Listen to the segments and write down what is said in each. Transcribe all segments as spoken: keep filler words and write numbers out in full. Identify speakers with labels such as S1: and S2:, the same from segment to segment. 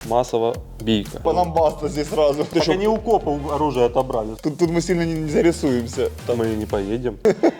S1: массовая бийка.
S2: По нам баста здесь сразу.
S1: Так они у копов оружие отобрали.
S2: Тут, тут мы сильно не, не зарисуємося.
S1: Там мы не поедем.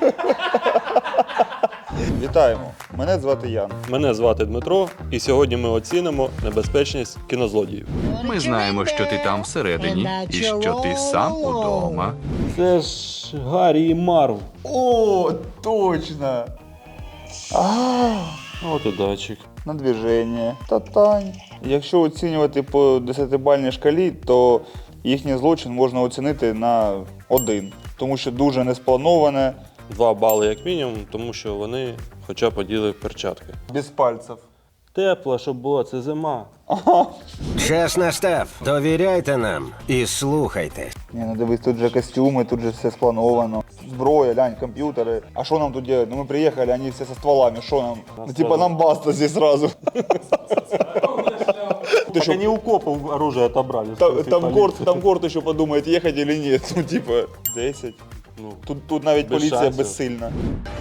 S2: Вітаємо. Мене звати Ян.
S1: Мене звати Дмитро, і сьогодні ми оцінимо небезпечність кінозлодіїв.
S3: Ми знаємо, що ти там всередині, і що ти сам удома.
S1: Це ж Гаррі і Марв.
S2: О, точно! А,
S1: От і датчик.
S2: на движення. Та-тань. Якщо оцінювати по десятибальній шкалі, то їхній злочин можна оцінити на один. Тому що дуже несплановане.
S1: Два бали як мінімум, тому що вони хоча б оділи перчатки.
S2: Без пальців.
S1: Тепло, щоб було, це зима.
S4: Час настав. Довіряйте нам і слухайте.
S2: Ні, ну дивись, тут же костюми, тут же все сплановано. Зброя, глянь, комп'ютери. А що нам тут делать? Ну ми приїхали, вони всі со стволами, що нам? Ну типа нам баста здесь сразу.
S1: Так они у копов оружие отобрали.
S2: Там, там, горд, там горд еще подумает, ехать или нет. Ну типа десять.
S1: Ну,
S2: Тут, тут навіть
S1: без
S2: поліція
S1: шансів.
S2: безсильна.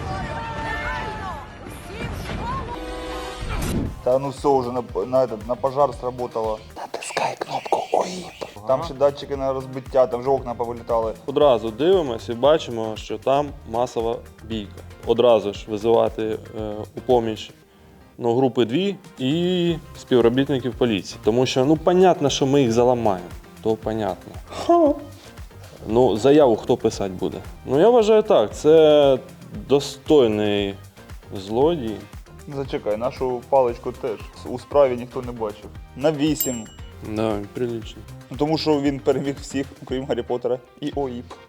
S2: Та ну все вже на, на, этот, на пожар сработало. Натискай кнопку ОІП. Ага. Там ще датчики на розбиття, там вже окна повилітали.
S1: Одразу дивимося і бачимо, що там масова бійка. Одразу ж визивати е, у поміч ну, групи дві і співробітників поліції. Тому що, ну, понятно, що ми їх заламаємо. То понятно. Ну, заяву хто писати буде? Ну, я вважаю так, це достойний злодій.
S2: Зачекай, нашу паличку теж у справі ніхто не бачив. На вісім.
S1: Да, прилично.
S2: Ну, тому що він переміг всіх, окрім Гаррі Поттера і ОІП.